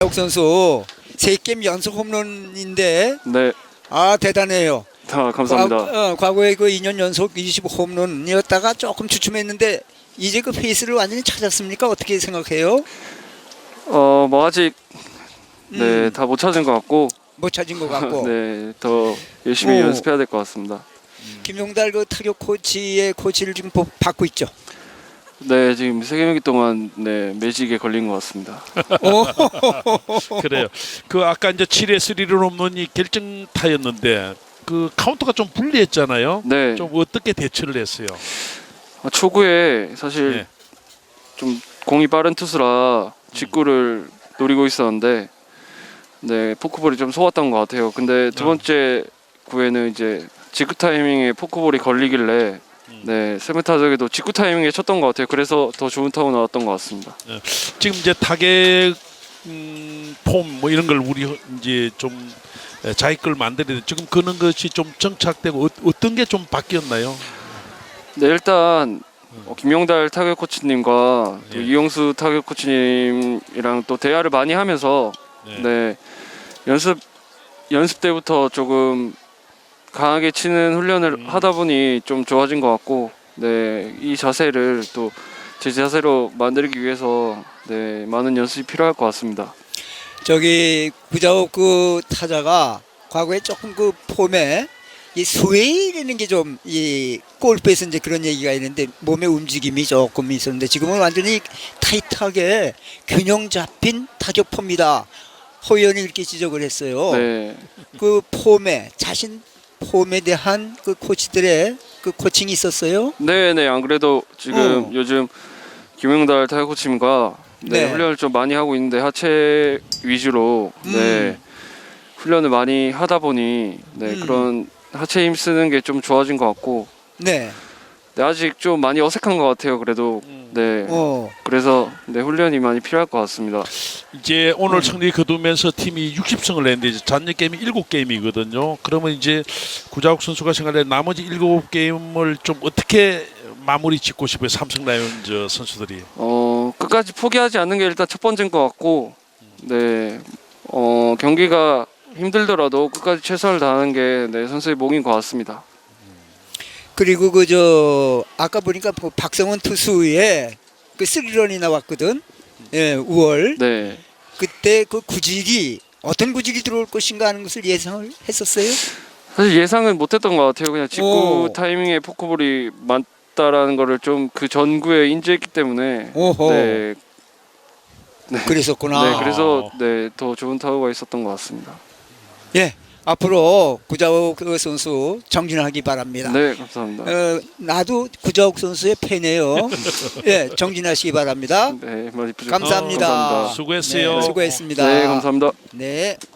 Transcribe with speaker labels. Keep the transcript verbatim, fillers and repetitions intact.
Speaker 1: 국 선수 세 게임 연속 홈런인데
Speaker 2: 네,
Speaker 1: 아 대단해요.
Speaker 2: 다 감사합니다.
Speaker 1: 과, 어, 과거에 그 이 년 연속 이십 홈런이었다가 조금 주춤했는데 이제 그 페이스를 완전히 찾았습니까? 어떻게 생각해요?
Speaker 2: 어, 뭐 아직 네,
Speaker 1: 음.
Speaker 2: 다 못 찾은 것 같고,
Speaker 1: 못 찾은 것 같고.
Speaker 2: 네, 더 열심히
Speaker 1: 오.
Speaker 2: 연습해야 될 것 같습니다.
Speaker 1: 김용달 그 타격 코치의 코치를 지금 보- 받고 있죠.
Speaker 2: 네, 지금 세 경기 동안 네 매직에 걸린 것 같습니다.
Speaker 1: 오.
Speaker 3: 그래요. 그 아까 이제 칠회 삼리런 홈런이 결정타였는데 그 카운터가 좀 불리했잖아요.
Speaker 2: 네,
Speaker 3: 좀 어떻게 대처를 했어요?
Speaker 2: 아, 초구에 사실
Speaker 3: 네.
Speaker 2: 좀 공이 빠른 투수라 직구를 노리고 있었는데, 네, 포크볼이 좀 속았던 것 같아요. 근데 두
Speaker 3: 어.
Speaker 2: 번째 구에는 이제 직구 타이밍에 포크볼이 걸리길래 네, 세븐 타석에도 직구 타이밍에 쳤던 것 같아요. 그래서 더 좋은 타구 나왔던 것 같습니다.
Speaker 3: 지금 이제 타겟 음, 폼 뭐 이런 걸 우리 이제 좀 에, 자기 걸 만들어야 돼. 지금 그런 것이 좀 정착되고 어, 어떤 게 좀 바뀌었나요?
Speaker 2: 네, 일단 어, 김용달 타격 코치님과 또
Speaker 3: 예.
Speaker 2: 이용수 타격 코치님이랑 또 대화를 많이 하면서
Speaker 3: 네.
Speaker 2: 네, 연습 연습 때부터 조금 강하게 치는 훈련을
Speaker 3: 음.
Speaker 2: 하다 보니 좀 좋아진 것 같고, 네, 이 자세를 또 제 자세로 만들기 위해서 네, 많은 연습이 필요할 것 같습니다.
Speaker 1: 저기 구자욱 그 타자가 과거에 조금 그 폼에 이 스웨이라는 게 좀 이 골프에서 이제 그런 얘기가 있는데 몸의 움직임이 조금 있었는데 지금은 완전히 타이트하게 균형 잡힌 타격 폼이다. 허 의원이 이렇게 지적을 했어요.
Speaker 2: 네,
Speaker 1: 그 폼에 자신 폼에 대한 그 코치들의 그 코칭이 있었어요.
Speaker 2: 네, 네, 안 그래도 지금
Speaker 1: 어.
Speaker 2: 요즘 김용달 타격 코치님과 네,
Speaker 1: 네.
Speaker 2: 훈련을 좀 많이 하고 있는데 하체 위주로 네,
Speaker 1: 음.
Speaker 2: 훈련을 많이 하다 보니 네,
Speaker 1: 음.
Speaker 2: 그런 하체 힘 쓰는 게 좀 좋아진 것 같고,
Speaker 1: 네.
Speaker 2: 네, 아직 좀 많이 어색한 것 같아요. 그래도 네,
Speaker 1: 어.
Speaker 2: 그래서 네, 훈련이 많이 필요할 것 같습니다.
Speaker 3: 이제 오늘
Speaker 1: 음.
Speaker 3: 승리 거두면서 팀이 육십 승을 냈는데 이제 잔여 게임이 일곱 게임이거든요. 그러면 이제 구자욱 선수가 생각할 때 나머지 일곱 게임을 좀 어떻게 마무리 짓고 싶어요? 삼성 라이온즈 선수들이.
Speaker 2: 어, 끝까지 포기하지 않는 게 일단 첫 번째인 것 같고, 네, 어, 경기가 힘들더라도 끝까지 최선을 다하는 게 네, 선수의 몫인 것 같습니다.
Speaker 1: 그리고 그 저 아까 보니까 뭐 박성원 투수의 그 쓰리런이 나왔거든. 예, 우월.
Speaker 2: 네,
Speaker 1: 그때 그 구질이 어떤 구질이 들어올 것인가 하는 것을 예상을 했었어요.
Speaker 2: 사실 예상은 못했던 것 같아요. 그냥 직구
Speaker 1: 오.
Speaker 2: 타이밍에 포크볼이 많다라는 거를 좀 그 전구에 인지했기 때문에
Speaker 1: 오호.
Speaker 2: 네,
Speaker 1: 그랬었구나.
Speaker 2: 네, 그래서 네, 더 좋은 타구가 있었던 것 같습니다.
Speaker 1: 예, 앞으로 구자욱 그 선수 정진하기 바랍니다.
Speaker 2: 네, 감사합니다.
Speaker 1: 어, 나도 구자욱 선수의 팬이에요. 예, 정진하시기 바랍니다.
Speaker 2: 네, 많이 부족-
Speaker 1: 감사합니다.
Speaker 2: 감사합니다.
Speaker 3: 수고했어요.
Speaker 1: 네, 수고했습니다.
Speaker 2: 네, 감사합니다.
Speaker 1: 네.